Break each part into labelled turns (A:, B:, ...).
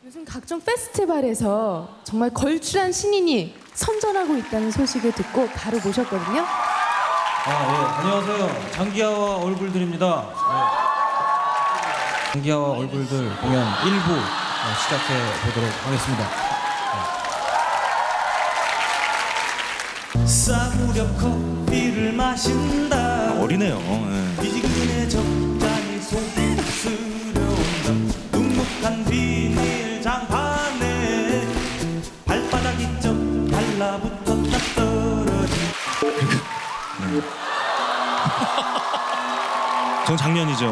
A: 요즘 각종 페스티벌에서 정말 걸출한 신인이 선전하고 있다는 소식을 듣고 바로 모셨거든요.
B: 안녕하세요. 장기하와 얼굴들입니다. 장기하와 얼굴들 공연 1부 시작해 보도록 하겠습니다. 싸구려 커피를 마신다.
C: 어리네요.
B: 미지근해 적잖이 속쓰려온다. 눅눅한 비닐 장판에 발바닥이 좀 달라붙었다 떨어진.
C: 전 작년이죠.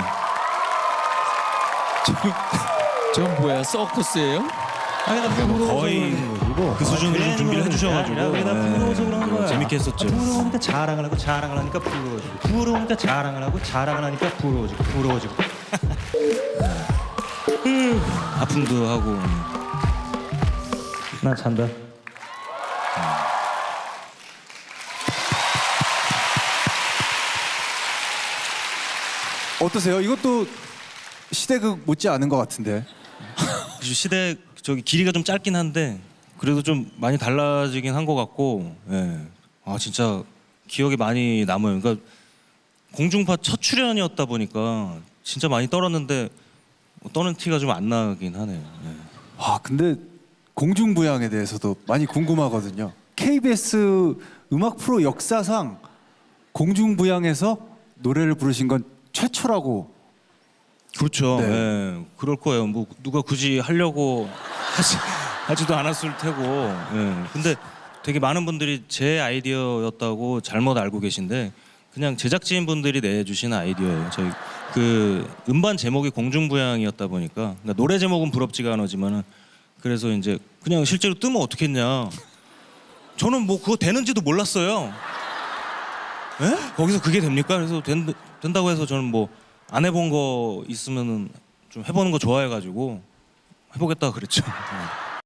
D: 저건 뭐야? 서커스예요?
C: 거의 그 수준으로 준비를 해주셔가지고
B: 우리가 부러워서 그런 거야.
C: 재밌게 했었죠.
B: 부러우니까 자랑을 하고 자랑을 하니까 부러워지고 부러우니까 자랑을 하고 자랑을 하니까 부러워지고
C: 아픔도 하고.
B: 나 잔다.
E: 어떠세요? 이것도 시대극 못지 않은 것 같은데.
C: 시대 길이가 좀 짧긴 한데 그래도 좀 많이 달라지긴 한 것 같고, 진짜 기억에 많이 남아요. 그러니까 공중파 첫 출연이었다 보니까 진짜 많이 떨었는데 떠는 티가 좀 안 나긴 하네요.
E: 와, 근데 공중부양에 대해서도 많이 궁금하거든요. KBS 음악 프로 역사상 공중부양에서 노래를 부르신 건 최초라고.
C: 그렇죠.
E: 네.
C: 그럴 거예요. 뭐 누가 굳이 하려고 하지도 않았을 테고. 근데 되게 많은 분들이 제 아이디어였다고 잘못 알고 계신데 그냥 제작진 분들이 내주신 아이디어예요. 저희 그 음반 제목이 공중부양이었다 보니까 그러니까 노래 제목은 부럽지가 않지만은 그래서 이제 그냥 실제로 뜨면 어떻겠냐. 저는 뭐 그거 되는지도 몰랐어요. 거기서 그게 됩니까? 그래서 된다고 해서 저는 뭐 안 해본 거 있으면은 좀 해보는 거 좋아해가지고 해보겠다 그랬죠.